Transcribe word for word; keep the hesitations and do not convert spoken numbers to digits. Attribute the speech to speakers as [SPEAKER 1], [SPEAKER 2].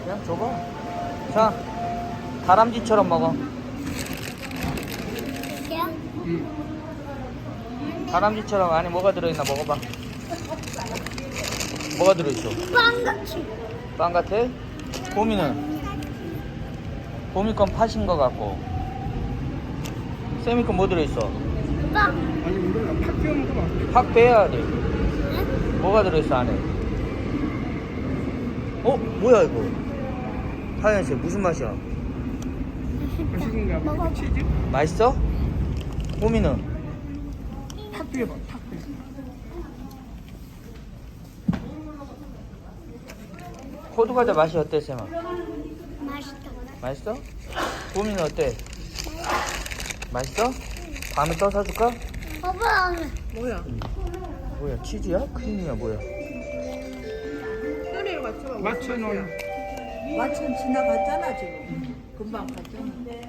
[SPEAKER 1] 그냥 줘봐. 자, 다람쥐처럼 먹어.
[SPEAKER 2] 이게요?
[SPEAKER 1] 다람쥐처럼 안에 뭐가 들어있나 먹어봐. 뭐가 들어있어?
[SPEAKER 2] 빵같이.
[SPEAKER 1] 빵 같아? 봄이는? 봄이 건 팥인 거 같고. 쌤이 건 뭐 들어있어?
[SPEAKER 2] 빵.
[SPEAKER 3] 아니 몰라 팍 끼워 먹어봐.
[SPEAKER 1] 팍 빼야 돼.
[SPEAKER 2] 네?
[SPEAKER 1] 뭐가 들어있어 안에? 어? 뭐야 이거? 하얀색 무슨 맛이야?
[SPEAKER 3] 맛있는가 봐.
[SPEAKER 2] 먹어봐.
[SPEAKER 3] 치즈?
[SPEAKER 1] 맛있어? 봄이는?
[SPEAKER 3] 팍 끼워봐. 팍 끼워.
[SPEAKER 1] 호두 과자 맛이 어때 쌤아?
[SPEAKER 2] 맛있다.
[SPEAKER 1] 맛있어? 봄이는 어때? 맛있어? 밤에 떠 사줄까?
[SPEAKER 2] 오빠.
[SPEAKER 4] 뭐야?
[SPEAKER 1] 뭐야 치즈야? 크림이야 뭐야?
[SPEAKER 4] 소리를 맞춰봐.
[SPEAKER 3] 맞춰 놓은.
[SPEAKER 4] 마침 지나갔잖아 지금. 금방 갔잖아.